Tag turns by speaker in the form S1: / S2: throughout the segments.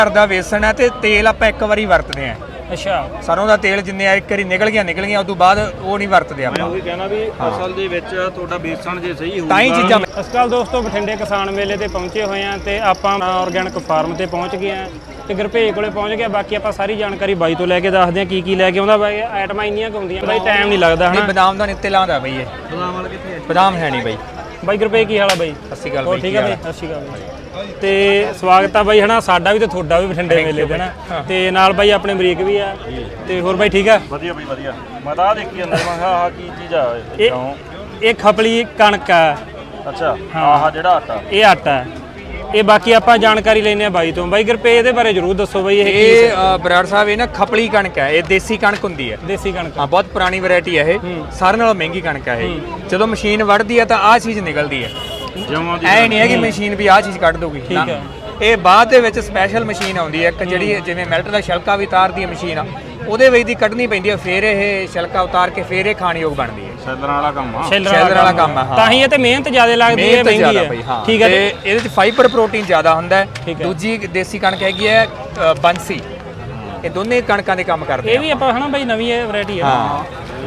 S1: घर का बेसन है तो तेल आप एक बारी वरतते हैं।
S2: अच्छा
S1: सरों का तेल जिन्ने एक बारी निकल गया उस तो बाद वो नहीं वरतते आप।
S3: मैं वही कहना भी असल ਦੇ ਵਿੱਚ ਤੁਹਾਡਾ ਬੇਸਣ ਜੇ ਸਹੀ ਹੋਊਗਾ
S1: ਤਾਂ ਹੀ ਚੀਜ਼ਾਂ
S2: ਸਤਿ ਸ਼੍ਰੀ ਅਕਾਲ ਦੋਸਤੋ, ਬਠਿੰਡੇ ਕਿਸਾਨ ਮੇਲੇ ਤੇ ਪਹੁੰਚੇ ਹੋਏ ਆ ਤੇ ਆਪਾਂ ਆਰਗੈਨਿਕ ਫਾਰਮ ਤੇ ਪਹੁੰਚ ਗਏ ਆ ਤੇ ਗੁਰਭੇਜ ਕੋਲੇ ਪਹੁੰਚ ਗਏ। ਬਾਕੀ ਆਪਾਂ ਸਾਰੀ ਜਾਣਕਾਰੀ ਬਾਈ ਤੋਂ ਲੈ ਕੇ ਦੱਸਦੇ ਆ ਕੀ ਲੈ ਕੇ ਆਉਂਦਾ ਬਾਈ। ਆਈਟਮਾਂ ਇੰਨੀਆਂ ਕੁ ਹੁੰਦੀਆਂ ਬਾਈ, ਟਾਈਮ ਨਹੀਂ ਲੱਗਦਾ ਹਨਾ।
S1: बादाम का नित्ते लादा बई ये
S3: ਬਦਾਮ ਵਾਲਾ ਕਿੱਥੇ ਹੈ?
S1: बादाम है नहीं बई।
S2: ਬਾਈ ਗੁਰਭੇਜ ਕੀ ਹਾਲ ਆ ਬਾਈ?
S1: सत श्री अकाल
S2: ਹੋਰ
S1: बई।
S2: ਠੀਕ ਆ ਬਾਈ? ਸਤਿ ਸ਼੍ਰੀ ਅਕਾਲ ਬਾਈ। ਤੇ ਸਵਾਗਤ ਆ ਬਾਈ ਹਨਾ, ਸਾਡਾ ਵੀ ਤੇ ਤੁਹਾਡਾ ਵੀ ਬਠਿੰਡੇ ਮੇਲੇ ਤੇ ਨਾ। ਤੇ ਨਾਲ ਬਾਈ ਆਪਣੇ ਅਮਰੀਕ ਵੀ ਆ ਤੇ ਹੋਰ ਬਾਈ ਠੀਕ ਆ?
S3: ਵਧੀਆ ਬਈ ਵਧੀਆ। ਮੈਂ ਤਾਂ ਆਹ ਦੇਖੀ ਜਾਂਦਾ ਮੈਂ ਕਿਹਾ ਆਹ ਕੀ ਚੀਜ਼ ਆ
S2: ਇਹ ਖਪਲੀ ਕਣਕ ਆ।
S3: ਅੱਛਾ ਆਹ ਜਿਹੜਾ ਆਟਾ
S2: ਇਹ ਆਟਾ ਹੈ। ਇਹ ਬਾਕੀ ਆਪਾਂ ਜਾਣਕਾਰੀ ਲੈਣੇ ਆ ਬਾਈ ਤੋਂ। ਬਾਈ ਗੁਰਪੇ ਇਹਦੇ ਬਾਰੇ ਜਰੂਰ ਦੱਸੋ ਬਾਈ।
S1: ਇਹ ਬਰਾੜ ਸਾਹਿਬ ਇਹ ਨਾ ਖਪਲੀ ਕਣਕ ਹੈ, ਇਹ ਦੇਸੀ ਕਣਕ ਹੁੰਦੀ ਹੈ।
S2: ਦੇਸੀ ਕਣਕ
S1: ਹਾਂ, ਬਹੁਤ ਪੁਰਾਣੀ ਵੈਰਾਈਟੀ ਹੈ ਇਹ, ਸਾਰਿਆਂ ਨਾਲੋਂ ਮਹਿੰਗੀ ਕਣਕ ਹੈ ਇਹ। ਜਦੋਂ ਮਸ਼ੀਨ ਵੜਦੀ ਹੈ ਤਾਂ ਆਹ ਚੀਜ਼ ਨਿਕਲਦੀ ਹੈ।
S3: ਜਮਾਂ ਦੀ
S1: ਐ ਨਹੀਂ ਹੈ ਕਿ ਮਸ਼ੀਨ ਵੀ ਆਹ ਚੀਜ਼ ਕੱਢ ਦੋਗੀ।
S2: ਠੀਕ ਹੈ।
S1: ਇਹ ਬਾਅਦ ਦੇ ਵਿੱਚ ਸਪੈਸ਼ਲ ਮਸ਼ੀਨ ਆਉਂਦੀ ਹੈ ਇੱਕ, ਜਿਹੜੀ ਜਿਵੇਂ ਮਿਲਟ ਦਾ ਛਿਲਕਾ ਵੀ ਉਤਾਰਦੀ ਹੈ ਮਸ਼ੀਨ ਆ, ਉਹਦੇ ਵਿੱਚ ਦੀ ਕੱਢਣੀ ਪੈਂਦੀ ਹੈ, ਫਿਰ ਇਹ ਛਿਲਕਾ ਉਤਾਰ ਕੇ ਫਿਰ ਇਹ ਖਾਣਯੋਗ ਬਣਦੀ ਹੈ।
S3: ਸੈਲਰਾਂ ਵਾਲਾ ਕੰਮ ਆ।
S2: ਸ਼ੈਲਰ ਵਾਲਾ ਕੰਮ ਆ। ਤਾਂ ਹੀ ਇਹ ਤੇ ਮਿਹਨਤ ਜ਼ਿਆਦਾ ਲੱਗਦੀ ਹੈ, ਮਹਿੰਗੀ ਹੈ। ਠੀਕ ਹੈ।
S1: ਤੇ ਇਹਦੇ ਵਿੱਚ ਫਾਈਬਰ ਪ੍ਰੋਟੀਨ ਜ਼ਿਆਦਾ ਹੁੰਦਾ ਹੈ।
S2: ਠੀਕ ਹੈ।
S1: ਦੂਜੀ ਦੇਸੀ ਕਣਕ ਹੈਗੀ ਹੈ ਬੰਸੀ। ਇਹ ਦੋਨੇ ਕਣਕਾਂ ਦੇ ਕੰਮ ਕਰਦੇ
S2: ਇਹ ਵੀ ਆਪਾਂ ਹਨਾ ਬਾਈ ਨਵੀਂ ਵੈਰਾਈਟੀ ਹੈ।
S1: ਹਾਂ,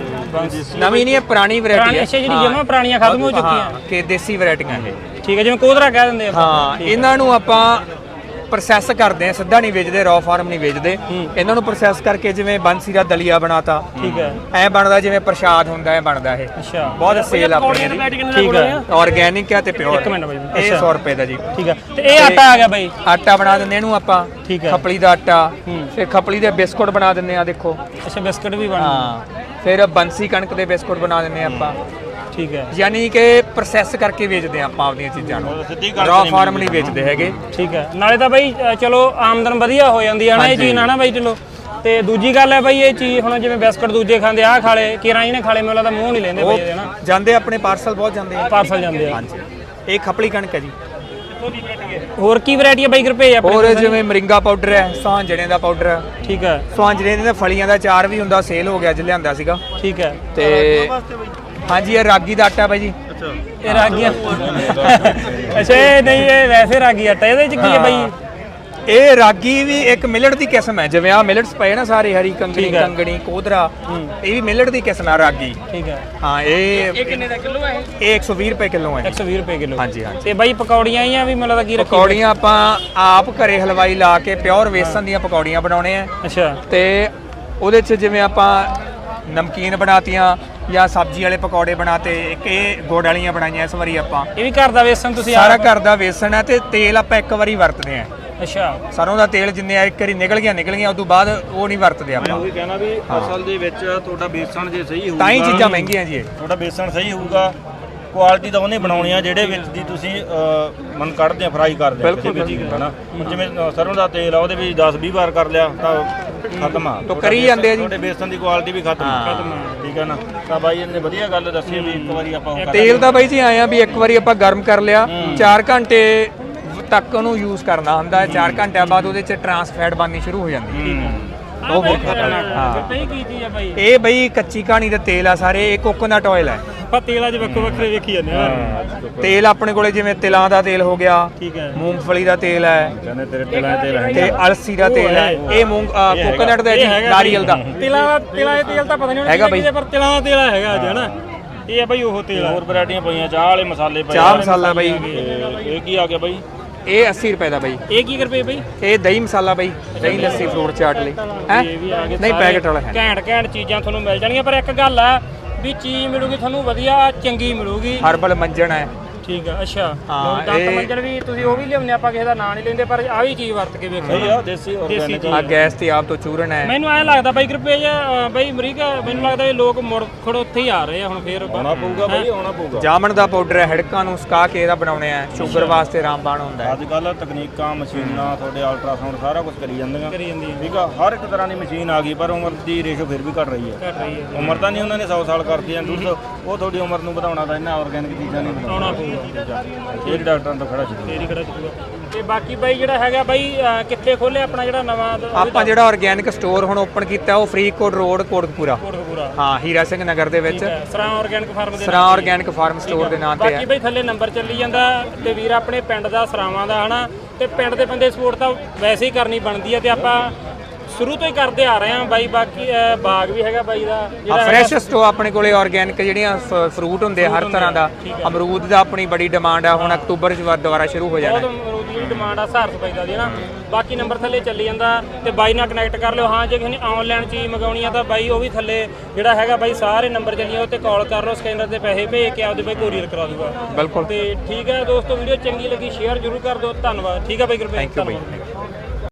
S1: ਨਵੀਂ ਨਹੀਂ ਹੈ, ਪੁਰਾਣੀ ਵੈਰਾਈਟੀ ਹੈ।
S2: ਅੱਛਾ, ਜਿਹੜੀ ਜਮਾਂ ਪੁਰਾਣੀਆਂ ਖਤਮ ਹੋ ਚੁੱਕੀਆਂ
S1: ਕਿ ਦੇਸੀ ਵੈਰਾਈਟੀਆਂ ਇਹ।
S2: ਠੀਕ ਹੈ, ਜਿਵੇਂ ਕੋਦਰਾ ਕਹਿ ਦਿੰਦੇ ਆ।
S1: ਹਾਂ, ਇਹਨਾਂ ਨੂੰ ਆਪਾਂ ਪ੍ਰੋਸੈਸ ਕਰਦੇ ਆ, ਸਿੱਧਾ ਨਹੀਂ ਵੇਚਦੇ, ਰॉ ਫਾਰਮ ਨਹੀਂ ਵੇਚਦੇ। ਇਹਨਾਂ ਨੂੰ ਪ੍ਰੋਸੈਸ ਕਰਕੇ ਜਿਵੇਂ ਬੰਸੀ ਦਾ ਦਲੀਆ ਬਣਾਤਾ।
S2: ਠੀਕ ਹੈ।
S1: ਐ ਬਣਦਾ ਜਿਵੇਂ ਪ੍ਰਸ਼ਾਦ ਹੁੰਦਾ ਹੈ, ਬਣਦਾ ਇਹ।
S2: ਅੱਛਾ,
S1: ਬਹੁਤ ਸੇਲ ਆਪਣੀ ਇਹਦੀ।
S2: ਠੀਕ ਹੈ।
S1: ਆਰਗੈਨਿਕ ਹੈ ਤੇ ਪਿਓਰ।
S2: ਇੱਕ ਮਿੰਟ ਬਾਈ।
S1: ਇਹ 100 ਰੁਪਏ ਦਾ ਜੀ।
S2: ਠੀਕ ਹੈ। ਤੇ ਇਹ ਆਟਾ ਆ ਗਿਆ ਬਾਈ।
S1: ਆਟਾ ਬਣਾ ਦਿੰਦੇ ਇਹਨੂੰ ਆਪਾਂ।
S2: ਠੀਕ ਹੈ।
S1: ਖਪਲੀ ਦਾ ਆਟਾ, ਫਿਰ ਖਪਲੀ ਦੇ ਬਿਸਕੁਟ ਬਣਾ ਦਿੰਦੇ ਆ, ਦੇਖੋ।
S2: ਅੱਛਾ, ਬਿਸਕਟ ਵੀ ਬਣ।
S1: ਹਾਂ, ਫਿਰ ਬੰਸੀ ਕਣਕ ਦੇ ਬਿਸਕੁਟ ਬਣਾ ਦਿੰਦੇ ਆ ਆਪਾਂ।
S2: ਠੀਕ ਹੈ।
S1: ਯਾਨੀ ਕਿ ਪ੍ਰੋਸੈਸ ਕਰਕੇ ਵੇਚਦੇ ਆ ਆਪਾਂ ਆਪਣੀਆਂ ਚੀਜ਼ਾਂ ਨੂੰ, ਰॉ ਫਾਰਮ ਨਹੀਂ ਵੇਚਦੇ ਹੈਗੇ।
S2: ਠੀਕ ਹੈ। ਨਾਲੇ ਤਾਂ ਬਾਈ ਚਲੋ ਆਮਦਨ ਵਧੀਆ ਹੋ ਜਾਂਦੀ ਹੈ ਨਾ ਇਹ ਚੀਜ਼ ਨਾਲ ਨਾ ਬਾਈ। ਚਲੋ ਤੇ ਦੂਜੀ ਗੱਲ ਹੈ ਬਾਈ, ਇਹ ਚੀਜ਼ ਹੁਣ ਜਿਵੇਂ ਬਿਸਕਟ ਦੂਜੇ ਖਾਂਦੇ ਆ, ਖਾਲੇ ਕਿਰਾਂ ਜਿਹਨੇ ਖਾਲੇ ਮੈਨੂੰ ਲੱਗਦਾ ਮੂੰਹ ਨਹੀਂ ਲੈਂਦੇ ਬਾਈ ਇਹਦੇ ਨਾ।
S1: ਜਾਂਦੇ ਆਪਣੇ ਪਾਰਸਲ ਬਹੁਤ ਜਾਂਦੇ ਆ।
S2: ਪਾਰਸਲ ਜਾਂਦੇ ਆ।
S1: ਹਾਂਜੀ, ਇਹ ਖਪਲੀ ਕਣਕ ਹੈ ਜੀ।
S2: ਹੋਰ ਕੀ ਵੈਰਾਈਟੀ ਹੈ ਬਾਈ ਗੁਰਪੇ ਆਪਣੇ?
S1: ਹੋਰ ਜਿਵੇਂ ਮਰਿੰਗਾ ਪਾਊਡਰ ਹੈ, ਸੁਹਾਂਜਣੇ ਦਾ ਪਾਊਡਰ ਹੈ।
S2: ਠੀਕ ਹੈ।
S1: ਸੁਹਾਂਜਣੇ ਦੇ ਫਲੀਆਂ ਦਾ ਅਚਾਰ ਵੀ ਹੁੰਦਾ, ਸੇਲ ਹੋ ਗਿਆ ਅੱਜ ਲਿਆਂਦਾ ਸੀਗਾ।
S2: ਠੀਕ ਹੈ।
S1: ਤੇ ਹਾਂਜੀ, ਇਹ ਰਾਗੀ ਦਾ ਆਟਾ ਬਾਈ ਜੀ।
S3: ਅੱਛਾ,
S2: ਇਹ ਰਾਗੀਆਂ। ਅੱਛਾ, ਇਹ ਨਹੀਂ, ਇਹ ਵੈਸੇ ਰਾਗੀ ਆਟਾ। ਇਹਦੇ ਚ ਕੀ ਹੈ ਬਾਈ?
S1: ਇਹ ਰਾਗੀ ਵੀ ਇੱਕ ਮਿਲਟ ਦੀ ਕਿਸਮ ਹੈ। ਜਿਵੇਂ ਆ ਮਿਲਟਸ ਪਏ ਨਾ ਸਾਰੇ, ਹਰੀ ਕੰਗਣੀ, ਕੰਗਣੀ, ਕੋਦਰਾ, ਇਹ ਵੀ ਮਿਲਟ ਦੀ ਕਿਸਮ ਹੈ ਰਾਗੀ।
S2: ਠੀਕ ਹੈ।
S1: ਹਾਂ, ਇਹ ਕਿੰਨੇ ਦਾ ਕਿਲੋ ਹੈ? ਇਹ 120 ਰੁਪਏ ਕਿਲੋ ਹੈ।
S2: 120 ਰੁਪਏ ਕਿਲੋ।
S1: ਹਾਂਜੀ ਹਾਂਜੀ।
S2: ਤੇ ਬਾਈ ਪਕੌੜੀਆਂ ਹੀ ਆ ਵੀ ਮੈਨੂੰ ਲੱਗਦਾ ਕੀ ਰੱਖੀ?
S1: ਪਕੌੜੀਆਂ ਆਪਾਂ ਆਪ ਘਰੇ ਹਲਵਾਈ ਲਾ ਕੇ ਪਿਓਰ ਵੇਸਣ ਦੀਆਂ ਪਕੌੜੀਆਂ ਬਣਾਉਣੇ ਆ।
S2: ਅੱਛਾ।
S1: ਤੇ ਉਹਦੇ 'ਚ ਜਿਵੇਂ ਆਪਾਂ ਨਮਕੀਨ ਬਣਾਤੀਆਂ ਜਾਂ ਸਬਜ਼ੀ ਵਾਲੇ ਪਕੌੜੇ ਬਣਾਤੇ। ਇੱਕ ਇਹ ਗੁੜ ਵਾਲੀਆਂ ਬਣਾਈਆਂ ਇਸ ਵਾਰੀ ਆਪਾਂ।
S2: ਇਹ ਵੀ ਘਰ ਦਾ ਵੇਸਣ ਤੁਸੀਂ
S1: ਸਾਰਾ ਘਰ ਦਾ ਵੇਸਣ ਹੈ ਤੇ ਤੇਲ ਆਪਾਂ ਇੱਕ ਵਾਰੀ ਵਰਤਦੇ ਆ।
S2: ਅੱਛਾ,
S1: ਸਰੋਂ ਦਾ ਤੇਲ ਜਿੰਨੇ ਇੱਕ ਵਾਰੀ ਨਿਕਲ ਗਿਆ ਉਸ ਤੋਂ ਬਾਅਦ ਉਹ ਨਹੀਂ ਵਰਤਦੇ
S3: ਮੈਂ
S1: ਆਪਾਂ।
S3: ਉਹੀ ਕਹਿਣਾ ਵੀ ਅਸਲ ਦੇ ਵਿੱਚ ਤੁਹਾਡਾ ਬੇਸਣ ਜੇ ਸਹੀ ਹੋਊਗਾ
S1: ਤਾਂ ਹੀ ਚੀਜ਼ਾਂ ਮਹਿੰਗੀਆਂ ਜੀ ਇਹ।
S3: ਤੁਹਾਡਾ ਬੇਸਣ ਸਹੀ ਹੋਊਗਾ, ਕੁਆਲਿਟੀ ਤਾਂ ਉਹਨੇ ਬਣਾਉਣੀ ਆ ਜਿਹੜੇ ਵਿੱਚ ਦੀ ਤੁਸੀਂ ਮਨ ਕੱਢਦੇ ਆ, ਫਰਾਈ ਕਰਦੇ ਆ ਕਿਸੇ ਵੀ ਚੀਜ਼ ਨੂੰ ਨਾ। ਹੁਣ ਜਿਵੇਂ ਸਰੋਂ ਦਾ ਤੇਲ ਆ, ਉਹਦੇ ਵਿੱਚ 10-20 ਵਾਰ ਕਰ ਲਿਆ ਤਾਂ ਖਤਮ ਆ।
S1: ਤਾਂ ਕਰੀ ਜਾਂਦੇ ਆ ਜੀ।
S3: ਤੁਹਾਡੇ ਬੇਸਣ ਦੀ ਕੁਆਲਿਟੀ ਵੀ ਖਤਮ ਆ। ਠੀਕ ਹੈ ਨਾ। ਤਾਂ ਬਾਈ ਇਹਨੇ ਵਧੀਆ ਗੱਲ ਦੱਸੀ ਵੀ ਇੱਕ ਵਾਰੀ ਆਪਾਂ ਉਹ
S1: ਤੇਲ ਦਾ ਬਾਈ ਜੀ ਆਏ ਆ ਵੀ ਇੱਕ ਵਾਰੀ ਆਪਾਂ ਗਰਮ ਕਰ ਲਿਆ, 4 ਘੰਟੇ ਤੱਕ ਉਹਨੂੰ ਯੂਜ਼ ਕਰਨਾ ਹੁੰਦਾ ਹੈ। 4 ਘੰਟਿਆਂ ਬਾਅਦ ਉਹਦੇ 'ਚ ਟਰਾਂਸ ਫੈਟ ਬਣਨੀ ਸ਼ੁਰੂ ਹੋ ਜਾਂਦੀ ਹੈ। ਉਹ ਬਹੁਤ ਖਤਰਨਾਕ। ਹਾਂ,
S2: ਇਹ ਕੀ ਚੀਜ਼ ਆ ਬਾਈ?
S1: ਇਹ ਬਈ ਕੱਚੀ ਕਹਾਣੀ ਦਾ ਤੇਲ ਆ ਸਾਰੇ। ਇਹ ਕੋਕੋਨਟ ਆਇਲ ਹੈ।
S2: ਆਪਾਂ ਤੇਲਾਂ 'ਚ ਵੱਖੋ ਵੱਖਰੇ ਵੇਖੀ ਜਾਂਦੇ ਆ।
S1: ਤੇਲ ਆਪਣੇ ਕੋਲੇ ਜਿਵੇਂ ਤਿਲਾਂ ਦਾ ਤੇਲ ਹੋ ਗਿਆ,
S2: ਠੀਕ ਹੈ।
S1: ਮੂੰਗਫਲੀ ਦਾ ਤੇਲ ਹੈ,
S3: ਕਹਿੰਦੇ ਤੇਰੇ ਤਿਲਾਂ ਦੇ ਤੇਲ ਹੈ
S1: ਤੇ ਅਲਸੀ ਦਾ ਤੇਲ ਹੈ। ਇਹ ਕੋਕੋਨਟ ਦਾ ਜੀ, ਨਾਰੀਅਲ ਦਾ।
S2: ਤਿਲਾਂ ਦਾ ਤੇਲ ਤਾਂ ਪਤਾ ਨਹੀਂ
S1: ਹੈਗਾ ਬਾਈ,
S2: ਪਰ ਤਿਲਾਂ ਦਾ ਤੇਲ ਹੈਗਾ ਅੱਜ ਹਨਾ। ਇਹ ਆ ਬਾਈ ਉਹ ਤੇਲ।
S3: ਹੋਰ ਵੈਰਾਈਟੀਆਂ ਪਈਆਂ, ਚਾਹ ਵਾਲੇ ਮਸਾਲੇ ਪਏ।
S1: ਚਾਹ ਮਸਾਲਾ ਬਾਈ,
S3: ਇਹ ਕੀ ਆ ਗਿਆ ਬਾਈ?
S1: ਇਹ 80 ਰੁਪਏ ਦਾ ਬਾਈ।
S2: ਇਹ ਕੀ ਰੁਪਏ ਬਾਈ?
S1: ਇਹ ਦਹੀਂ ਮਸਾਲਾ ਬਾਈ, ਦਹੀਂ ਲੱਸੀ ਫਰੂਟ ਚਾਟ ਲਈ ਹੈ। ਨਹੀਂ, ਪੈਕਟ ਵਾਲਾ ਹੈ।
S2: ਘੈਂਟ ਚੀਜ਼ਾਂ ਤੁਹਾਨੂੰ ਮਿਲ ਜਾਣਗੀਆਂ, ਪਰ ਇੱਕ ਗੱਲ ਆ ਵੀ ਚੀਜ਼ ਮਿਲੂਗੀ ਤੁਹਾਨੂੰ ਵਧੀਆ ਚੰਗੀ ਮਿਲੂਗੀ।
S1: ਹਰਬਲ ਮੰਜਣ ਹੈ।
S2: ਠੀਕ ਆ। ਅੱਛਾ,
S1: ਹਾਂ,
S2: ਦੰਤ ਮੰਜਣ ਵੀ ਤੁਸੀਂ ਉਹ ਵੀ ਲਿਆਉਂਦੇ, ਆਪਾਂ ਕਿਸੇ ਦਾ ਨਾਂ ਨਹੀਂ ਲੈਂਦੇ, ਪਰ ਆ ਵੀ ਚੀਜ਼ ਵਰਤ ਕੇ ਵੇਖੋ।
S3: ਸਹੀ ਆ, ਦੇਸੀ ਆਰਗੈਨਿਕ
S1: ਆ ਗੈਸ ਤੇ ਆਪ ਤੋਂ ਚੂਰਨ ਹੈ।
S2: ਮੈਨੂੰ ਐਂ ਲੱਗਦਾ ਬਾਈ ਰੁਪਏ ਬਾਈ ਅਮਰੀਕਾ, ਮੈਨੂੰ ਲੱਗਦਾ ਇਹ ਲੋਕ ਮੁੜ ਖੜ ਉੱਥੇ ਹੀ ਆ ਰਹੇ ਆ ਹੁਣ ਫੇਰ।
S3: ਆਉਣਾ ਪਊਗਾ ਬਾਈ, ਆਉਣਾ ਪਊਗਾ।
S1: ਜਾਮਣ ਦਾ ਪਾਊਡਰ ਹੈ, ਹੜਕਾਂ ਨੂੰ ਸੁਕਾ ਕੇ ਇਹਦਾ ਬਣਾਉਣੇ ਆ। ਸ਼ੂਗਰ ਵਾਸਤੇ ਰਾਮਬਾਣ ਹੁੰਦਾ ਹੈ।
S3: ਅੱਜ ਕੱਲ ਤਕਨੀਕਾਂ, ਮਸ਼ੀਨਾਂ, ਤੁਹਾਡੇ ਅਲਟਰਾਸਾਊਂਡ ਸਾਰਾ ਕੁਝ ਕਰੀ ਜਾਂਦੀਆਂ।
S2: ਜਾਂਦੀ
S3: ਠੀਕ ਆ, ਹਰ ਇੱਕ ਤਰ੍ਹਾਂ ਦੀ ਮਸ਼ੀਨ ਆ ਗਈ, ਪਰ ਉਮਰ ਦੀ ਰੇਸ਼ੋ ਫਿਰ ਵੀ ਘਟ ਰਹੀ ਹੈ।
S2: ਘਟ ਰਹੀ ਹੈ।
S3: ਉਮਰ ਤਾਂ ਨਹੀਂ ਉਹਨਾਂ ਨੇ 100 ਸਾਲ ਕਰਤੀ ਆ ਦੁੱਧ, ਉਹ ਤੁਹਾਡੀ ਉਮਰ ਨੂੰ ਵਧਾਉਣਾ ਤਾਂ ਇਹਨਾਂ ਆਰਗੈਨਿਕ ਚੀਜ਼ਾਂ ਨਹੀਂ
S2: ਆਉਣਾ
S3: ਬਣਾਉਣਾ। ਇਹ ਡਾਕਟਰਾਂ ਤੋਂ ਖੜਾ ਛੱਡੋ।
S2: ਤੇਰੀ ਖੜਾ ਚੁੱਕਾ। ਤੇ ਬਾਕੀ ਬਾਈ ਜਿਹੜਾ ਹੈਗਾ ਬਾਈ ਕਿੱਥੇ ਖੋਲਿਆ ਆਪਣਾ ਜਿਹੜਾ ਨਵਾਂ?
S1: ਆਪਾਂ ਜਿਹੜਾ ਆਰਗੈਨਿਕ ਸਟੋਰ ਹੁਣ ਓਪਨ ਕੀਤਾ ਉਹ ਫਰੀਦਕੋਟ ਰੋਡ, ਕੋਟਕਪੂਰਾ।
S2: ਆ
S1: ਹਾਂ ਹੀਰਾ ਸਿੰਘ ਨਗਰ ਦੇ ਵਿੱਚ
S2: ਸਰਾਂ ਆਰਗੈਨਿਕ ਫਾਰਮ ਦੇ
S1: ਸਰਾਂ ਆਰਗੈਨਿਕ ਫਾਰਮ ਸਟੋਰ ਦੇ ਨਾਂ ਤੇ
S2: ਬਾਕੀ
S1: ਹੈ।
S2: ਬਈ ਥੱਲੇ ਨੰਬਰ ਚੱਲੀ ਜਾਂਦਾ ਤੇ ਵੀਰ ਆਪਣੇ ਪਿੰਡ ਦਾ ਸਰਾਵਾਂ ਦਾ ਹਨਾ ਤੇ ਪਿੰਡ ਦੇ ਬੰਦੇ ਸਪੋਰਟ ਤਾਂ ਵੈਸੇ ਹੀ ਕਰਨੀ ਬਣਦੀ ਹੈ ਤੇ ਆਪਾਂ ਸ਼ੁਰੂ ਤੋਂ ਹੀ ਕਰਦੇ ਆ ਰਹੇ ਹਾਂ ਬਾਈ। ਬਾਕੀ ਬਾਗ ਵੀ ਹੈਗਾ ਬਾਈ ਦਾ ਜਿਹੜਾ
S1: ਫਰੈਸ਼ ਸਟੋਰ ਆਪਣੇ ਕੋਲੇ ਆਰਗੈਨਿਕ ਜਿਹੜੀਆਂ ਫਰੂਟ ਹੁੰਦੇ ਹਰ ਤਰ੍ਹਾਂ ਦਾ। ਅਮਰੂਦ ਦਾ ਆਪਣੀ ਬੜੀ ਡਿਮਾਂਡ ਆ, ਹੁਣ ਅਕਤੂਬਰ 'ਚ ਦੁਬਾਰਾ ਸ਼ੁਰੂ ਹੋ ਜਾਣਾ।
S2: ਬਹੁਤ ਅਮਰੂਦ ਦੀ ਡਿਮਾਂਡ ਆ 1000 ਰੁਪਏ ਦਾ ਦੀ ਨਾ। ਬਾਕੀ ਨੰਬਰ ਥੱਲੇ ਚੱਲੀ ਜਾਂਦਾ ਤੇ ਬਾਈ ਨਾਲ ਕਨੈਕਟ ਕਰ ਲਿਓ। ਹਾਂ ਜੇ ਕਿਸੇ ਨੇ ਆਨਲਾਈਨ ਚੀਜ਼ ਮੰਗਾਉਣੀ ਆ ਤਾਂ ਬਾਈ ਉਹ ਵੀ ਥੱਲੇ ਜਿਹੜਾ ਹੈਗਾ ਬਾਈ ਸਾਰੇ ਨੰਬਰ ਚੱਲੀਆਂ ਉੱਤੇ ਕਾਲ ਕਰ ਲਓ, ਸਕੈਨਰ ਤੇ ਪੈਸੇ ਭੇਜ ਕੇ ਆਪਦੇ ਬਾਈ ਕੋਰੀਅਰ ਕਰਾ ਦੂਗਾ।
S1: ਬਿਲਕੁਲ।
S2: ਤੇ ਠੀਕ ਹੈ ਦੋਸਤੋ, ਵੀਡੀਓ ਚੰਗੀ ਲੱਗੀ ਸ਼ੇਅਰ ਜ਼ਰੂਰ ਕਰ ਦਿਓ। ਧੰਨਵਾਦ। ਠੀਕ ਹੈ ਬਾਈ ਗੁਰਪ੍ਰੀਤ,
S1: ਥੈਂਕ ਯੂ ਬਾਈ।
S2: ਧੰਨਵਾਦ।